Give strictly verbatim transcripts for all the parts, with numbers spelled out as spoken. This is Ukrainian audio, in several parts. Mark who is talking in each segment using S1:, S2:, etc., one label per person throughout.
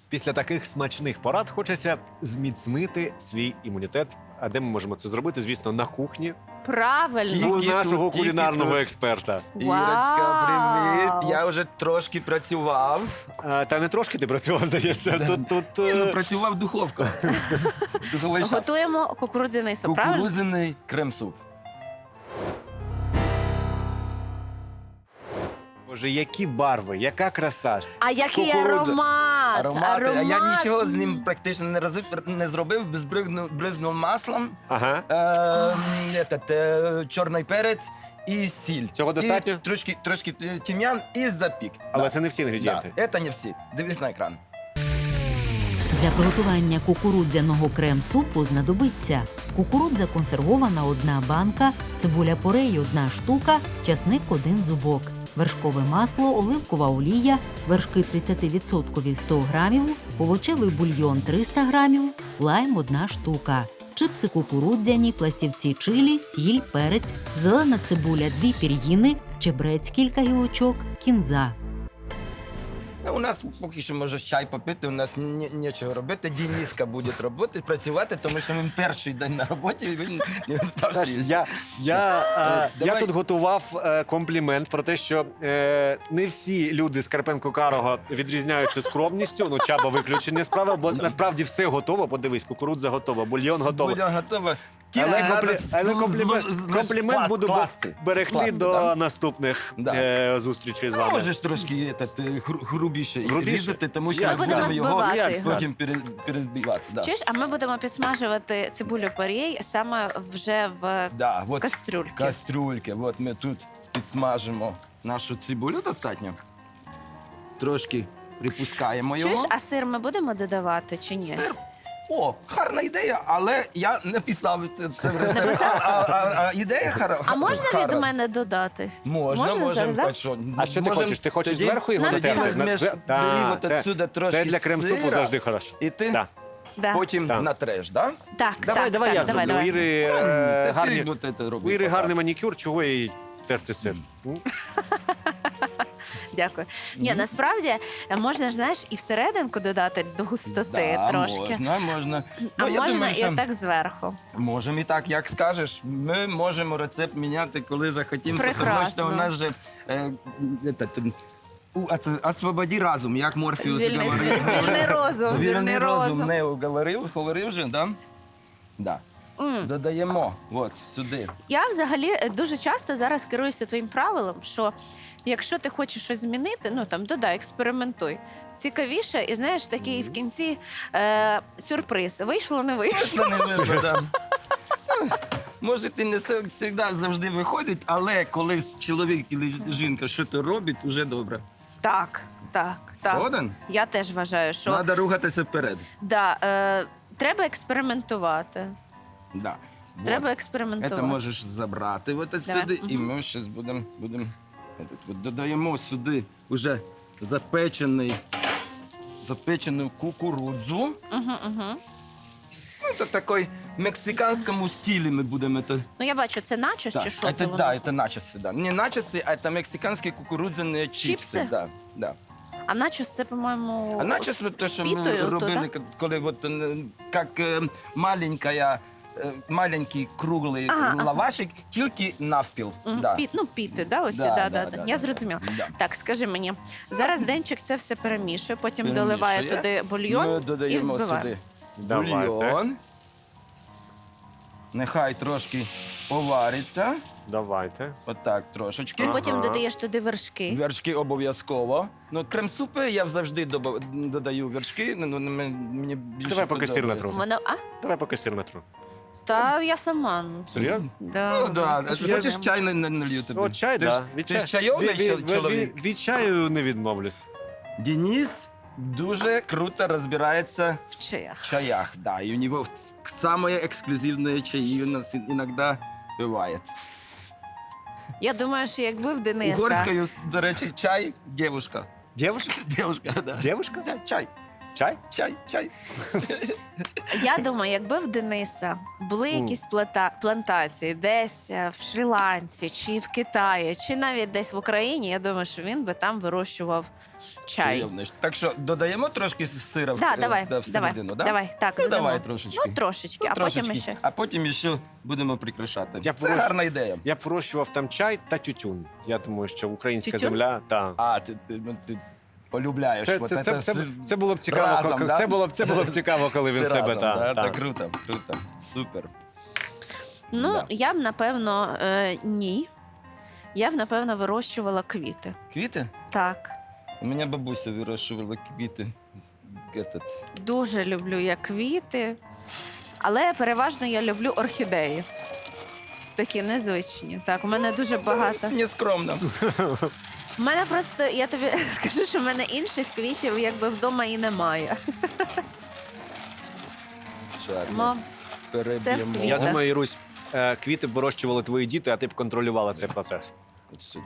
S1: Після таких смачних порад хочеться зміцнити свій імунітет. А де ми можемо це зробити? Звісно, на кухні
S2: Правильно.
S1: у
S3: Тільки
S1: нашого
S3: тут, тільки
S1: кулінарного
S3: тут.
S1: експерта.
S3: Ірочка, привіт.
S2: Вау.
S3: Я вже трошки працював.
S1: А, та не трошки ти працював, здається. Тут, тут,
S3: Ні, ну,
S1: е,
S3: працював духовка. Духовий шаф.
S2: Готуємо кукурудзяний суп, правильно?
S3: Кукурудзяний крем-суп.
S1: Боже, які барви, яка краса.
S2: А який
S1: Кукурудза.
S2: аромат!
S3: Аромати. А я
S2: Аромат.
S3: нічого з ним практично не, роз- не зробив, безбризнув бризнув маслом,
S1: Ага.
S3: е, етот, е, чорний перець і сіль.
S1: Цього достатньо?
S3: І трошки, трошки е, тім'ян і запік.
S1: Але
S3: Да.
S1: це не всі інгредієнти.
S3: Да. Це не всі. Дивись на екран.
S4: Для приготування кукурудзяного крем-супу знадобиться кукурудза консервована – одна банка, цибуля порей – одна штука, часник – один зубок, вершкове масло, оливкова олія, вершки тридцять відсотків – сто грамів, овочевий бульйон – триста грамів, лайм – одна штука, чипси кукурудзяні, пластівці чилі, сіль, перець, зелена цибуля – дві пір'їни, чебрець – кілька гілочок, кінза.
S3: Ну, у нас поки що можеш чай попити, у нас ні- нічого робити. Дініска буде робити, працювати, тому що він перший день на роботі, і він не
S1: Знаєш,
S3: старший.
S1: Я, я, е, я
S3: Давай.
S1: тут готував е, комплімент про те, що е, не всі люди з Карпенко-Карого відрізняються скромністю. Ну, Чаба виключення з правил, бо насправді все готово. Подивись, кукурудза готова, бульйон готовий.
S3: Бульон готова.
S1: Але,
S3: Тільки
S1: комплі...
S3: треба
S1: але
S3: з-
S1: комплімент,
S3: з- з-
S1: комплімент
S3: склад-
S1: буду бе-
S3: класти.
S1: берегти
S3: Класти,
S1: до
S3: да.
S1: наступних
S3: Да.
S1: е, зустрічей з
S3: Ну,
S1: вами.
S3: можеш трошки этот, е, гру- грубіше,
S1: Грубіше?
S3: різати, тому що
S1: Ми
S3: ми
S2: будемо
S3: будемо його
S2: збивати.
S1: Як сказати?
S3: потім пере- перезбивати. Да.
S2: Чуєш, а ми будемо підсмажувати цибулю порей саме вже в
S3: Да, от
S2: кастрюльці.
S3: кастрюльки. От ми тут підсмажимо нашу цибулю достатньо. Трошки припускаємо його.
S2: Чуєш, а сир ми будемо додавати чи ні?
S3: Сир. О, гарна ідея, але я не писав це, це в
S2: Не
S3: рецепт.
S2: писав?
S3: А, а, а, а ідея хара.
S2: А можна
S3: хара.
S2: від мене додати?
S3: Можна,
S2: Можна
S3: можемо.
S2: зараз, да?
S3: А що,
S1: А що ти
S3: можем
S1: хочеш? Ти хочеш
S3: тоді-
S1: зверху його
S2: Ну,
S3: Тоді
S1: натерти?
S3: візьмеш,
S1: Це- Та,
S3: бери от
S1: це-
S3: отсюди трошки
S1: Це для крем-супу
S3: сира,
S1: завжди хорошо.
S3: І ти
S1: Да.
S2: Да.
S3: потім
S1: Так.
S3: натреш, да?
S2: Так,
S1: Давай,
S2: так,
S1: давай
S2: так,
S1: я
S2: давай,
S1: зроблю. У
S2: давай.
S1: Іри,
S3: Та
S1: е,
S3: ти
S1: гарні,
S3: от це роби
S1: у Іри
S3: пока.
S1: гарний манікюр, чого їй терти сир? М?
S2: Дякую. Ні,
S3: Мгм.
S2: насправді е, можна ж, знаєш, і всерединку додати до густоти
S3: Да,
S2: трошки.
S3: можна, можна.
S2: А
S3: Ну, я
S2: можна
S3: думаю,
S2: і
S3: що
S2: так зверху.
S3: можемо і так, як скажеш. Ми можемо рецепт міняти, коли захотімо, тому
S2: Прекрасно.
S3: що у нас же е, этот, у, оце- освободи разум, як Морфеус
S2: Звільни,
S3: говорив.
S2: звіль- звільни розум,
S3: Звільни
S2: звільни
S3: розум,
S2: розум.
S3: не говорив, говорив же, да? Да.
S2: М.
S3: Додаємо, от, сюди.
S2: Я взагалі е, дуже часто зараз керуюся твоїм правилом, що якщо ти хочеш щось змінити, ну там додай, експериментуй. Цікавіше, і знаєш, такий в кінці е, сюрприз. Вийшло, не вийшло.
S3: Точно не видно, да. Ну, може, ти не завжди завжди виходить, але коли чоловік і жінка щось робить, вже добре.
S2: Так, так, так.
S3: Згоден?
S2: Я теж вважаю, що
S3: Треба рухатися вперед.
S2: да, е, треба експериментувати.
S3: Да.
S2: Треба
S3: Вот.
S2: експериментувати.
S3: Це можеш забрати от
S2: Давай.
S3: сюди, і
S2: Мгм.
S3: ми зараз будемо будем, от, додаємо сюди вже запечений, запечену кукурудзу.
S2: Угу, угу.
S3: Ну, це такий мексиканському стилі ми будемо. це-
S2: Ну я бачу, це начос
S3: Так,
S2: чи що?
S3: це,
S2: це воно?
S3: да, это начосы, да. Не начосы, а это мексиканские кукурудзяные чипсы.
S2: Чипсы?
S3: Да, да.
S2: А начос це, по-моєму,
S3: А начос,
S2: з-
S3: вот то,
S2: з
S3: що ми
S2: пітою, то,
S3: робили,
S2: да?
S3: коли вот, е, як е, маленькая, е, маленький круглий
S2: Ага, ага.
S3: лавашик, тільки навпіл.
S2: Мгм,
S3: Да.
S2: Піт, ну, піти, да, оці,
S3: Да,
S2: да,
S3: да,
S2: да,
S3: да,
S2: да.
S3: да,
S2: Я
S3: да.
S2: зрозуміла.
S3: Да.
S2: Так, скажи мені, зараз Денчик це все перемішує, потім
S3: Перемішує.
S2: доливає туди бульйон
S3: Ми
S2: і
S3: додаємо
S2: взбиває.
S3: сюди
S1: Давайте.
S3: бульйон. Нехай трошки повариться.
S1: Давайте.
S3: Отак трошечки.
S2: І потім
S1: Ага.
S2: додаєш туди вершки.
S3: Вершки обов'язково. Ну, крем-супи я завжди доба- додаю вершки. Ну, ну, м- мені більше
S1: Давай поки сир
S3: подобається.
S1: натру.
S2: Воно, а?
S1: Давай поки сир натру.
S2: Та я сама. ну,
S1: Серйозно?
S2: Да,
S3: Ну, да.
S2: це ж
S3: Хочеш
S2: прям-
S3: чай не, не налью тобі?
S1: О, чай,
S3: ти
S1: да.
S3: ж,
S1: Від
S3: ти
S1: чаю-
S3: ж чайовий
S1: від- від-
S3: чоловік.
S1: від- Від чаю не відмовлюсь.
S3: Денис дуже круто розбирається
S2: в чаях.
S3: в чаях. Да, и у него самые эксклюзивные чаи у нас иногда бывает.
S2: Я думаю, що якби в Дениса.
S3: Угорською, до речі, чай – девушка.
S1: Дівушка?
S3: Девушка, да.
S1: Дівушка?
S3: Да, чай.
S1: Чай?
S3: Чай, чай.
S2: Я думаю, якби в Дениса були
S1: Мм.
S2: якісь плата- плантації десь е, в Шрі-Ланці, чи в Китаї, чи навіть десь в Україні, я думаю, що він би там вирощував чай.
S3: Чайовниш. Так що додаємо трошки сира в-
S2: Да,
S3: е,
S2: давай,
S3: да,
S2: давай,
S3: всередину, да?
S2: давай, так,
S3: Ну,
S2: додамо.
S3: давай трошечки.
S2: Ну, трошечки,
S3: Ну,
S2: а
S3: трошечки.
S2: потім ще.
S3: А потім ще будемо прикрашати.
S1: Я
S3: Це
S1: порож-
S3: гарна ідея.
S1: Я б вирощував там чай та тютюн. Я думаю, що українська
S2: Тютюн?
S1: земля та.
S3: А, ти, ти, ну, ти полюбляєш.
S1: Це,
S3: от
S1: це, це, це,
S3: з-
S1: це було б цікаво,
S3: разом,
S1: коли,
S3: да?
S1: це було б це було б цікаво, коли він
S3: Це
S1: себе
S3: разом,
S1: та,
S3: да?
S1: та.
S3: Це круто, круто. Супер.
S2: Ну,
S3: Да.
S2: я б, напевно, е, ні. Я б, напевно, вирощувала квіти.
S3: Квіти?
S2: Так.
S3: У мене бабуся вирощувала квіти. Этот.
S2: Дуже люблю я квіти, але переважно я люблю орхідеї. Такі незвичні. Так, у мене дуже багато.
S3: Не скромно.
S2: У мене просто, я тобі скажу, що в мене інших квітів якби вдома і немає.
S3: Щас ми
S2: Мо-
S3: переб'ємо.
S2: все в
S1: Я
S2: квітах.
S1: думаю, Ірусь, е, квіти б вирощували твої діти, а ти б контролювала цей процес.
S3: От сюди.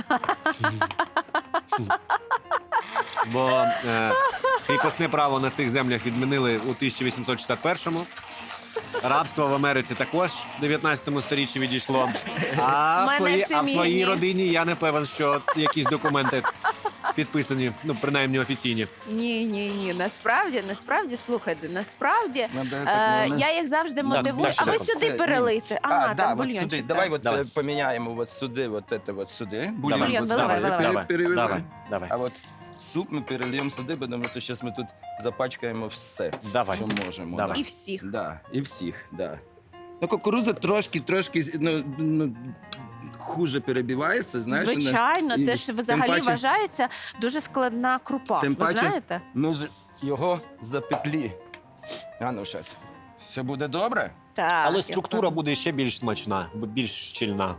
S1: Бо е, кріпосне право на цих землях відмінили у тисяча вісімсот шістдесят першому. Рабство в Америці також в дев'ятнадцятому сторіччі відійшло. А
S2: У мене
S1: в, твої,
S2: в
S1: а в
S2: сім'ї
S1: твоїй
S2: ні.
S1: родині я не певен, що якісь документи підписані, ну принаймні офіційні.
S2: Ні, ні, ні. Насправді, насправді, слухайте, насправді.
S3: Надо
S2: Е,
S3: так, ну,
S2: я їх завжди мотивую.
S1: так,
S2: А ви
S1: так,
S2: сюди
S3: це-
S2: перелийте. Ага,
S3: а,
S2: там
S3: да, от
S2: бульйончик.
S3: сюди.
S2: так.
S3: Давай от
S1: Давай.
S3: е, поміняємо от сюди, от це от сюди.
S1: Давай,
S2: Бульйон,
S3: от
S2: виливай,
S3: сюди
S2: виливай.
S3: пере-
S1: давай,
S3: переливай.
S1: давай, давай,
S3: А от суп ми перельємо сюди, тому що зараз ми тут запачкаємо все,
S1: давай.
S3: що можемо.
S1: Давай.
S3: Да.
S2: І всіх.
S3: Да, і всіх, да. Ну, кукурудза трошки, трошки ну, ну, хуже перебивається, знаєш. вона-
S2: Звичайно,
S3: і
S2: це ж
S3: тим
S2: взагалі
S3: паче-
S2: вважається дуже складна крупа.
S3: Тим
S2: Ви
S3: паче-
S2: знаєте?
S3: Ми ж його запеклі. А ну, зараз. Все буде добре?
S2: Так.
S1: Але
S2: я
S1: структура
S2: впевнена.
S1: буде ще більш смачна, бо більш щільна.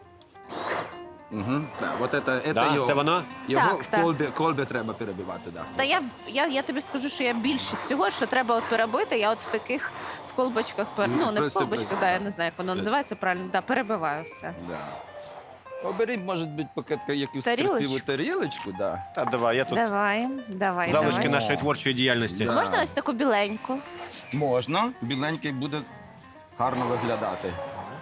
S3: Угу. Да, от це, це
S1: Да?
S3: його,
S1: Це воно?
S3: його
S2: Так,
S3: в
S2: так.
S3: колбі, колбі треба перебивати. Да.
S2: Та я, я, я тобі скажу, що я більшість всього, що треба от перебити, я от в таких в колбочках, пер... ну не в
S3: Просто
S2: колбочках,
S3: при-
S2: да, я не знаю, як воно
S3: Все.
S2: називається правильно, да, перебиваю все.
S3: Да. Обери, може бути, поки якусь
S2: Тарілочку?
S3: красиву тарілочку, да.
S1: Та давай, я тут
S2: Давай, давай,
S1: залишки
S2: давай.
S1: нашої творчої діяльності.
S3: Да.
S2: А можна ось таку біленьку?
S3: Можна, біленький буде гарно виглядати.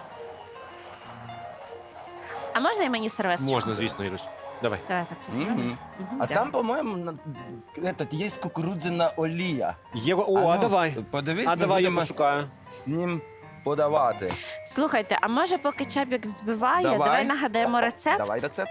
S2: А можна і мені серветочку?
S1: Можна, звісно, Ірусь. Давай.
S2: Давай так.
S3: Мгм.
S2: Мгм,
S3: А
S2: дякую.
S3: там, по-моєму, на- этот, є кукурудзяна олія.
S1: Є... О, а,
S3: ну,
S1: давай.
S3: Подивись,
S1: А
S3: ми
S1: давай я
S3: будемо
S1: пошукаю.
S3: з ним подавати.
S2: Слухайте, а може поки Чабік взбиває,
S3: Давай.
S2: давай, нагадаємо рецепт?
S3: Давай рецепт.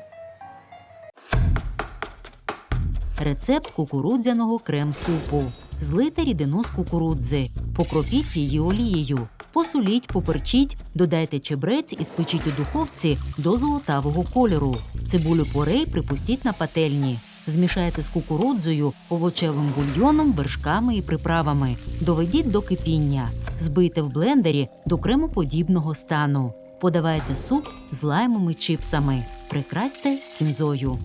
S4: Рецепт кукурудзяного крем-супу. Злийте рідину з кукурудзи, покропіть її олією, посоліть, поперчіть, додайте чебрець і спечіть у духовці до золотавого кольору. Цибулю порей припустіть на пательні. Змішайте з кукурудзою, овочевим бульйоном, вершками і приправами. Доведіть до кипіння. Збийте в блендері до кремоподібного стану. Подавайте суп з лаймом і чипсами. Прикрасьте кінзою.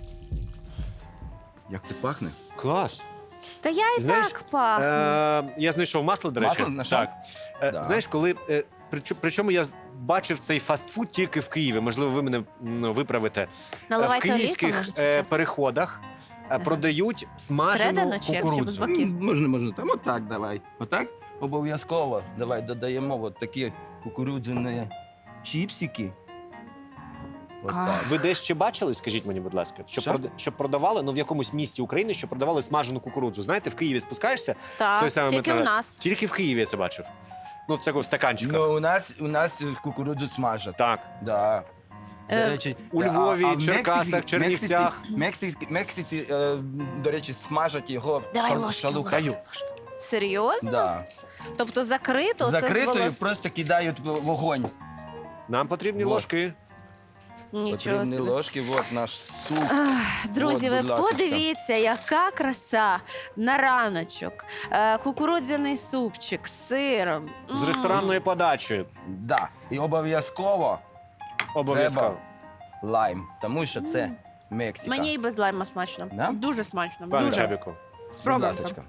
S3: Як це пахне?
S1: Клас.
S2: Та я і
S1: Знаєш,
S2: так пахну.
S1: Е, я знайшов масло, до речі.
S3: Масло знайшов?
S1: Так. Е,
S3: Да.
S1: Знаєш, коли. Е, причо- причому я бачив цей фастфуд тільки в Києві. Можливо, ви мене ну, виправите. Е, в
S2: Наливайте олійку,
S1: київських
S2: може,
S1: е,
S2: спочатку?
S1: переходах е, продають смажену
S2: Всередину чи як, чи без
S1: кукурудзу.
S2: боків?
S3: М, Можна, можна. Там отак давай. Отак обов'язково. Давай додаємо от такі кукурудзяні чіпсики. Отак.
S1: Ви десь ще бачили, скажіть мені, будь ласка, щоб,
S3: Що?
S1: прода- щоб продавали ну, в якомусь місті України, щоб продавали смажену кукурудзу. Знаєте, в Києві спускаєшся, в той
S2: Так,
S1: самий
S2: тільки
S1: метро.
S2: у нас.
S1: Тільки в Києві я це бачив. Ну, це в стаканчиках.
S3: Ну, у нас, у нас кукурудзу смажать.
S1: Так.
S3: Да. До
S2: Е,
S3: речі,
S1: у
S3: а-
S1: Львові,
S3: а в
S1: Черкасах,
S3: Мексиці-
S1: Чернівцях.
S3: Мексиці, Мексиці, Мексиці, е, до речі, смажать його
S2: Давай
S3: шал-
S2: ложки,
S3: шалухаю.
S2: Серйозно?
S3: Да.
S2: Тобто закрито? це з
S3: Закритою
S2: волос...
S3: просто кидають в вогонь.
S1: Нам потрібні
S3: Вот.
S1: ложки.
S2: Нічого
S3: Потрібні
S2: собі.
S3: ложки, от наш суп.
S2: Ах, Друзі,
S3: От,
S2: ви
S3: будь ласочка.
S2: подивіться, яка краса на раночок. Е, Кукурудзяний супчик з сиром.
S1: З
S2: М.
S1: ресторанної подачі.
S3: Да. І обов'язково
S1: Обов'язково.
S3: треба лайм, тому що це Мексика.
S2: Мені і без лайма смачно.
S3: Да?
S2: Дуже смачно.
S1: Пане
S2: Дуже.
S1: Чабіку.
S3: Будь
S2: Спробуйте.
S3: ласочка.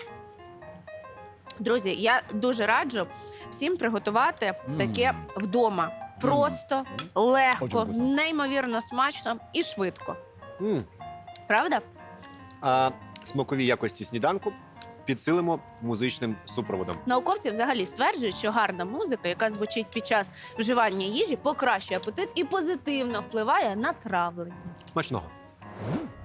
S2: Друзі, я дуже раджу всім приготувати
S3: Мм.
S2: таке вдома. Просто, легко,
S3: Очень вкусно.
S2: неймовірно смачно і швидко.
S1: М.
S2: Правда?
S1: А, смакові якості сніданку підсилимо музичним супроводом.
S2: Науковці взагалі стверджують, що гарна музика, яка звучить під час вживання їжі, покращує апетит і позитивно впливає на травлення.
S1: Смачного!
S3: М.